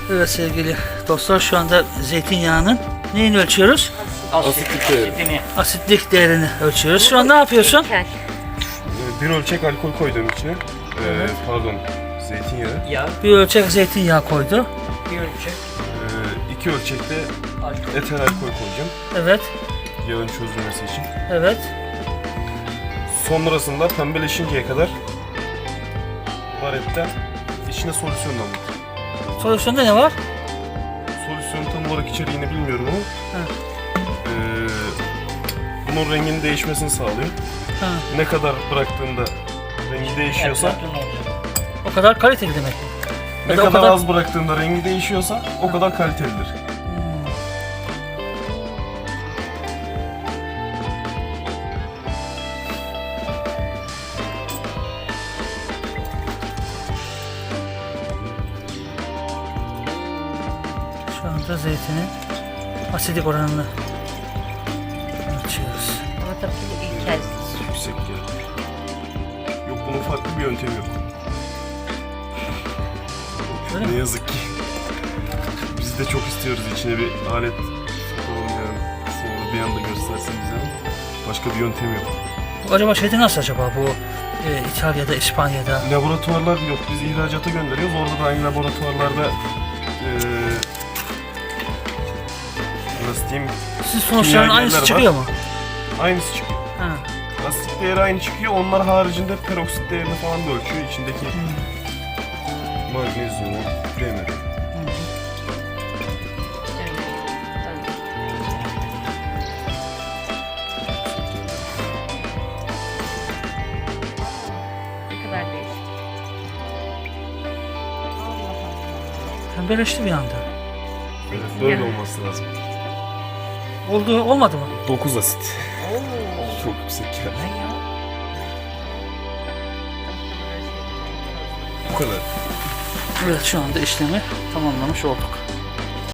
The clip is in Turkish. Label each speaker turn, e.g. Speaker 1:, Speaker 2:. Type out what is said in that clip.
Speaker 1: Evet sevgili dostlar, şu anda zeytinyağının neyini ölçüyoruz?
Speaker 2: Asitlik değeri.
Speaker 1: Asitlik değerini ölçüyoruz. Şu an ne yapıyorsun?
Speaker 2: Bir ölçek alkol koydum içine. Pardon, zeytinyağı.
Speaker 3: Yağ,
Speaker 1: Bir ölçek zeytinyağı koydu.
Speaker 3: bir ölçek.
Speaker 2: 2 ölçekte eter alkol koyacağım.
Speaker 1: Evet,
Speaker 2: Yağın çözülmesi için.
Speaker 1: evet.
Speaker 2: Sonrasında pembeleşinceye kadar varetten içine solüsyon damlatacağım.
Speaker 1: Solüsyonda ne var?
Speaker 2: Solüsyon tam olarak içeriğini bilmiyorum ama
Speaker 1: Ha.
Speaker 2: bunun renginin değişmesini sağlıyor.
Speaker 1: Ha.
Speaker 2: Ne kadar bıraktığında rengi değişiyorsa,
Speaker 3: Eflatun olacak.
Speaker 1: O kadar kaliteli demek.
Speaker 2: ne
Speaker 1: Ya da o
Speaker 2: kadar
Speaker 1: kadar-
Speaker 2: az bıraktığında rengi değişiyorsa o kadar kalitelidir.
Speaker 1: Şu anda zeytinin asidik oranını ölçüyoruz.
Speaker 4: Ama tabii ki bu ilk kez.
Speaker 2: Yüksek geldi. Yok, bunun farklı bir yöntemi yok.
Speaker 1: Öyle
Speaker 2: Ne
Speaker 1: mi?
Speaker 2: yazık ki. Biz de çok istiyoruz içine bir alet sokalım yani. Sonra bir anda göstersin bize ama başka bir yöntem yok.
Speaker 1: Acaba şeyde nasıl acaba bu İtalya'da, İspanya'da?
Speaker 2: Laboratuvarlar yok. Biz ihracata gönderiyoruz. Orada da aynı laboratuvarlarda nasıl diyeyim,
Speaker 1: Sizin sonuçların aynısı
Speaker 2: kimyagerler
Speaker 1: çıkıyor mu?
Speaker 2: aynısı çıkıyor.
Speaker 1: Ha.
Speaker 2: Asit değeri aynı çıkıyor. Onlar haricinde peroksit değerini falan da ölçüyor. İçindeki magnezyumu, demiri.
Speaker 4: Ne kadar değişik. Allah Allah.
Speaker 1: Pembeleşti bir anda.
Speaker 2: Evet, böyle olması lazım.
Speaker 1: Oldu, olmadı mı?
Speaker 2: 9 asit.
Speaker 4: Oo.
Speaker 2: Çok yüksek geldi.
Speaker 4: Ne ya?
Speaker 2: Bu kadar.
Speaker 1: Evet, şu anda işlemi tamamlamış olduk.